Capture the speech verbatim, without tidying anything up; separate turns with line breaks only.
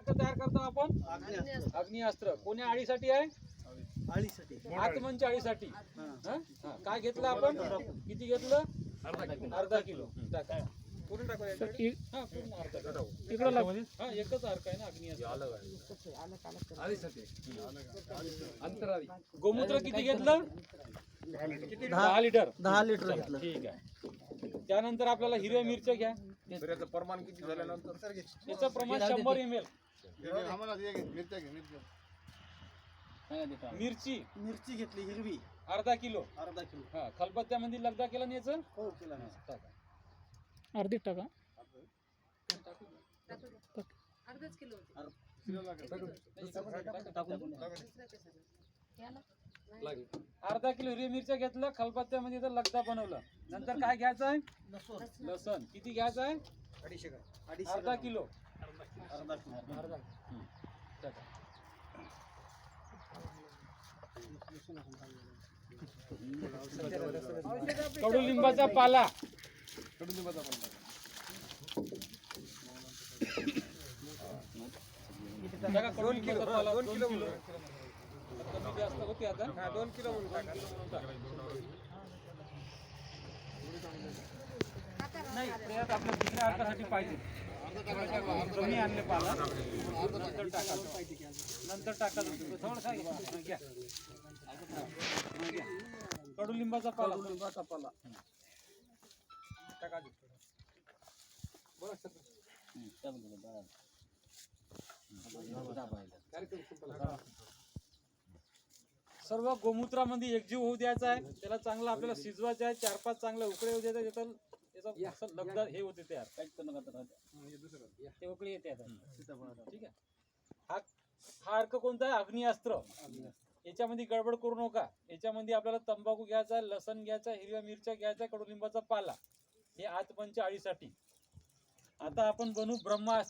अर्क तयार करतो आपण अग्निअस्त्र. कोण्या आळीसाठी आहे?
आळीसाठी.
आत्मनच्या आळीसाठी. काय घेतलं आपण? किती घेतलं? अर्धा किलो. टाका पूर्ण टाकायचं. हा पूर्ण अर्धा किलो.
इकडे लाग.
हा एकच अर्क आहे ना अग्निअस्त्र. गोमूत्र किती घेतलं? दहा लिटर.
दहा लिटर घेतलं.
ठीक आहे. त्यानंतर आपल्याला हिरव्या मिरच्या घ्या.
त्याचं प्रमाण किती झाल्यानंतर?
त्याचं प्रमाण शंभर एम एल. मिरची
मिरची घेतली हिरवी
अर्धा किलो.
अर्धा किलो.
हा खलबत्त्यामध्ये लगदा केला आणि याचं
हो केला ना.
अर्धी टाका.
अर्धाच किलो
अर्धा किलो हिरवी मिरच्या घेतलं, खलबत्त्यामध्ये तर लगदा बनवलं. नंतर काय घ्यायचं आहे? लसण. किती घ्यायचं आहे?
अडीचशे ग्राम.
अर्धा किलो.
अर्धा किलो.
अर्धा. कडुलिंबाचा पाला.
कडुलिंबाचा पाला.
दोन किलो. दोन किलो कमी जास्त होते आता. दोन किलो नाही प्रयात आपल्या दुसऱ्या अर्कासाठी पाहिजे. कमी आणले पाला नंतर टाका. नंतर टाका थोडंसं घ्या. कडुलिंबाचा पाला. कडुलिंबाचा पाला टाका. सर्व गोमूत्रामध्ये एकजीव होऊ द्यायचा आहे. त्याला चांगलं आपल्याला शिजवायचं आहे. चार पाच चांगले उकळे होऊ द्यायचे. त्याचा लगदा हे होते तयार. ते उकळी येते आता. ठीक आहे. हा हा अर्क कोणता आहे? अग्निअस्त्र. याच्यामध्ये गडबड करू नका. याच्यामध्ये आपल्याला तंबाखू घ्यायचा, लसण घ्यायचा, हिरव्या मिरच्या घ्यायचा, कडुलिंबाचा पाला. हे आतमनच्या आळीसाठी. आता आपण बनवू ब्रह्मास्त्र.